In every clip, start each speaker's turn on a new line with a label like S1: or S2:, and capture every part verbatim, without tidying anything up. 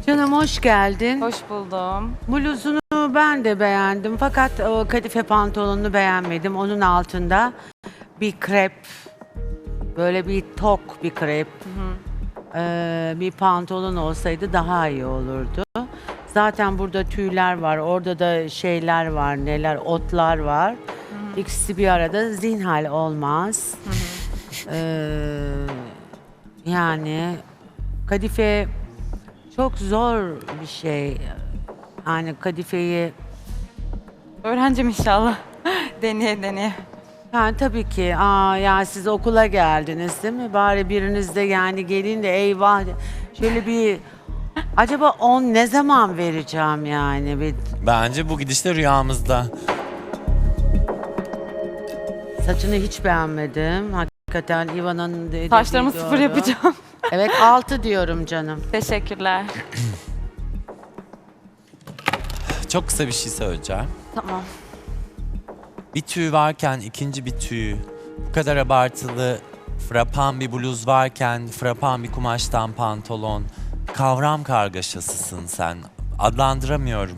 S1: Canım hoş geldin.
S2: Hoş buldum.
S1: Bluzunu ben de beğendim fakat o kadife pantolonunu beğenmedim. Onun altında bir krep, böyle bir tok bir krep, ee, bir pantolon olsaydı daha iyi olurdu. Zaten burada tüyler var, orada da şeyler var, neler, otlar var. Hı hı. İkisi bir arada zinhal olmaz. Hı hı. Ee, yani kadife çok zor bir şey. Yani kadifeyi
S2: Öğrencim inşallah. deneye deneye.
S1: yani tabii ki aa ya siz okula geldiniz değil mi? Bari biriniz de yani gelin de eyvah şöyle bir acaba on ne zaman vereceğim yani bir
S3: Bence bu gidişte rüyamızda.
S1: saçını hiç beğenmedim. Hakikaten Ivan'ın dediği
S2: Saçlarımı sıfır
S1: doğru.
S2: yapacağım.
S1: Evet altı diyorum canım.
S2: Teşekkürler.
S3: Çok kısa bir şey söyleyeceğim.
S2: Tamam.
S3: Bir tüy varken ikinci bir tüy, bu kadar abartılı, frapan bir bluz varken frapan bir kumaştan pantolon, kavram kargaşasısın sen. Adlandıramıyorum.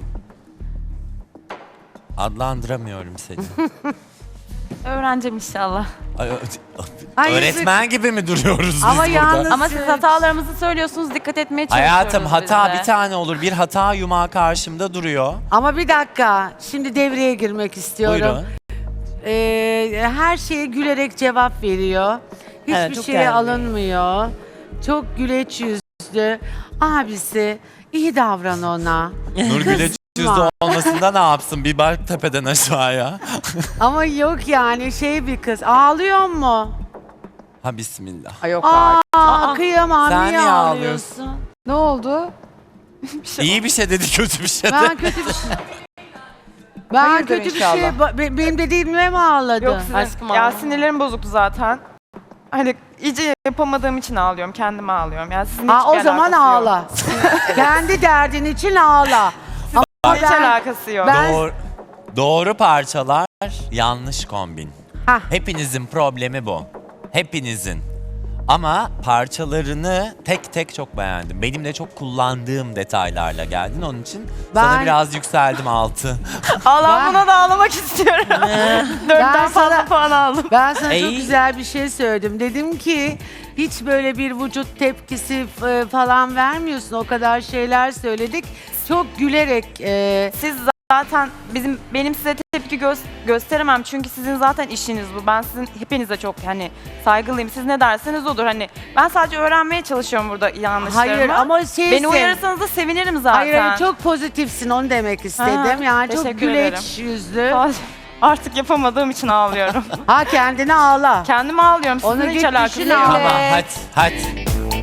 S3: Adlandıramıyorum seni.
S2: Öğrencim inşallah.
S3: Ay, ö-
S1: Ay,
S3: Öğretmen gibi mi duruyoruz biz
S1: Ama
S3: burada?
S1: yalnız-
S2: Ama siz hatalarımızı söylüyorsunuz. Dikkat etmeye çalışıyoruz
S3: Hayatım hata
S2: biz de.
S3: bir tane olur. Bir hata yumağı karşımda duruyor.
S1: Ama bir dakika şimdi devreye girmek istiyorum.
S3: Buyurun.
S1: Ee, her şeye gülerek cevap veriyor. Hiçbir
S3: Evet, çok
S1: şeye
S3: geldi.
S1: alınmıyor. Çok güleç yüzlü. Abisi iyi davran ona.
S3: Nur Güleç yüzde olmasında ne yapsın? Bir bak tepeden aşağıya.
S1: Ama yok yani şey bir kız. Ağlıyor mu?
S3: Ha bismillah.
S4: Ay yok
S1: Aa,
S4: artık.
S1: kıyamam.
S3: Sen
S1: niye
S3: niye
S1: ağlıyorsun?
S4: Ne oldu?
S3: İyi bir şey dedi, kötü bir şey
S1: Ben
S3: dedi.
S1: kötü bir şey... Ben
S4: Hayırdır
S1: kötü bir
S4: inşallah.
S1: şey... ba- be- Benim dediğimle mi ağladın?
S2: Yok sizin.
S4: Aşkım
S2: ya
S4: ağlama.
S2: sinirlerim bozuktu zaten. Hani iyice yapamadığım için ağlıyorum. Kendime ağlıyorum. Yani sizin
S1: Ha,
S2: hiçbir
S1: o zaman
S2: alakası
S1: ağla.
S2: Yok.
S1: Kendi derdin için ağla. Ama
S2: Hiç
S1: ben...
S2: alakası yok.
S1: Ben-
S3: Doğru, doğru parçalar, yanlış kombin.
S1: Hah.
S3: Hepinizin problemi bu. Hepinizin. Ama parçalarını tek tek çok beğendim. Benim de çok kullandığım detaylarla geldin. Onun için sana
S1: Ben-
S3: biraz yükseldim altı.
S2: Allah
S1: Ben-
S2: buna da ağlamak istiyorum.
S1: Ben
S2: Dörtten fazla
S1: sana-
S2: puan aldım.
S1: Ben sana çok
S3: Ey.
S1: güzel bir şey söyledim. Dedim ki hiç böyle bir vücut tepkisi e, falan vermiyorsun. O kadar şeyler söyledik. Çok gülerek e,
S2: Siz zaten bizim benim size tepki gö- gösteremem çünkü sizin zaten işiniz bu. Ben sizin hepinize çok hani saygılıyım. Siz ne derseniz odur. Hani ben sadece öğrenmeye çalışıyorum burada yanlışlarımı.
S1: hayır ama şey
S2: Beni uyarırsanız da sevinirim zaten.
S1: Hayır hayır, çok pozitifsin onu demek istedim.
S2: Ha,
S1: yani çok
S2: teşekkür
S1: güleç
S2: ederim.
S1: yüzlü.
S2: Artık yapamadığım için ağlıyorum.
S1: Ha kendini ağla.
S2: Kendime ağlıyorum. Sizin
S1: Onu
S2: hiç
S1: git
S2: alakası
S1: düşün
S2: yok.
S1: ağla.
S3: Tamam
S1: Evet.
S3: hadi hadi.